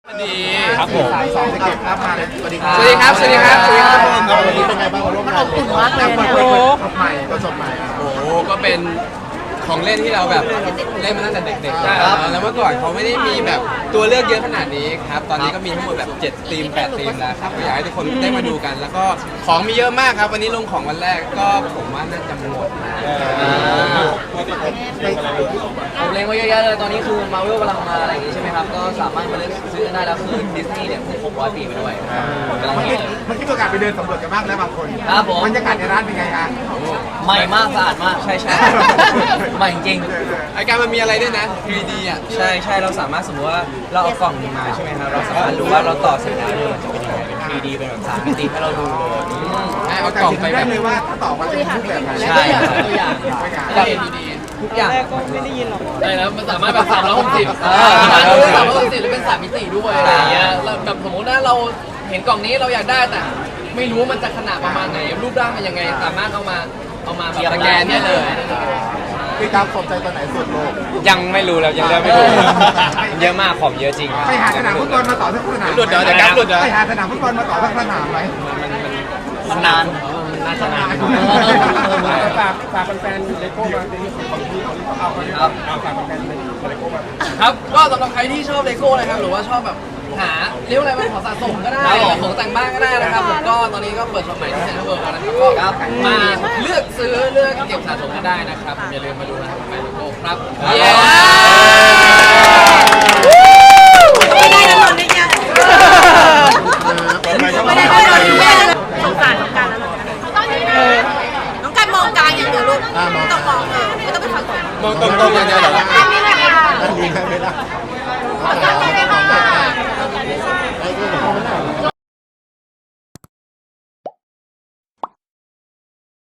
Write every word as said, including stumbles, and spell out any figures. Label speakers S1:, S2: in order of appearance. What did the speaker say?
S1: ดี
S2: ครับผม
S3: สองเก็บครับมาเลยสวัสดีครั
S1: สวัสดีครับ สวัสดีครับ สวัสดีครับ
S3: วันนี้เป็นไงบ้างร่วมงานเลยมากเลยโอ้ใหม่ก็สดใหม่
S1: โอ้โหก็เป็นของเล่นที่เราแบบเล่นมาตั้งแต่เด็กๆนะครับแล้วเมื่อก่อนเขาไม่ได้มีแบบตัวเลือกเยอะขนาดนี้ครับ ตอนนี้ก็มีทั้งหมดแบบเจ็ดธีมแปดธีมแล้วครับก็อยากให้ทุกคนได้มาดูกัน แล้วก็ของมีเยอะมากครับ วันนี้ลงของวันแรกก็ผมว่าน่าจะหมดนะ
S4: ผมเล็งไว้เยอะแยะเลยตอนนี้คือมาเวลกำลังมาอะไรอย่างงี้ใช่ไหมครับก็สามารถมาเลือกซื้อได้แล้วคือดิสนีย์เนี่ยเพิ่งครบร้อยปีไปด้วยกำลัง
S3: เมื่อ
S4: ฮิ
S3: กี้
S4: ตเลย
S3: เมื่อกี้ประกาศไปเดินสำรวจกันบ้างแล้วบางคน
S4: ครับผม
S3: บรรยากาศในร้านเป็นไงอ่ะ
S4: ใหม่มากสะอาดมากใช่ใช่ใหม่จริง
S1: ไอการมันมีอะไรด้วยนะ ทรี ดี อ่ะ
S2: ใช่ใช่เราสามารถสมมติว่าเราเอากล่องนี้มาใช่ไหมครับเราสามารถรู้ว่าเราต่อเสร็จแล้วเนี่ยมันจะเป็นยังไงเป็น ทรี ดี เป็นแบบสามมิติให้เราดูเลย
S1: ให้เอากล่องไปแบ
S3: ได้
S1: บ
S3: เลยว่าถ้าตอบมาจะเป็นรูปแบบไหน
S4: ใช่ครับตัวอย่าง
S3: ตัวอย่าง
S4: แบบทุกอย่าง
S5: ได้แล้วมันสามารถแบบสามร้อยหกสิบ
S4: อ่า
S5: สามร้อยหกสิบหรือเป็นสามมิติด้วยอะไรอย่างเงี้ยแล้วแบบสมมติว่าเราเห็นกล่องนี้เราอยากได้แต่ไม่รู้ว่ามันจะขนาดประมาณไหนรูปร่างมันยังไงสามารถเอามาเอามาแบบสแกนได้เลย
S3: พี่ตามสนใจตัวไหนสุดโลก
S2: ยังไม่รู้แล้วยังเลือกไม่ถูกเยอะมากของเยอะจริง
S3: ไปหาสนามฟุตบอลมาต่อสักสนาม
S1: หลุดเหรอเดี๋ยวกราฟหลุดเหรอ
S3: ไปหาสนามฟุตบอลมาต่อสักสนามไหม
S4: มันนานน่าจะนาน
S3: ฝากฝากแฟนๆเลโก้มาเป็นของที่เขาเอาไป
S4: ครับ
S3: ฝากแฟนๆเลโก้มา
S5: ครับก็สำหรับใครที่ชอบเลโก้นะครับหรือว่าชอบแบบหาเรียกว่าอะไรเป็นของสะสมก็ได้ของแต่งบ้านก็ได้นะครับผมก็ตอนนี้ก็เปิดช็อปใหม่ที่เซ็นทรัลเวิลด์แล้วนะครับก็มาเลือกซื้อเลือกเก็บสะสมก็ได้นะครับอย่าลืมมาดูนะครับแฟนเลโก้ครับเย้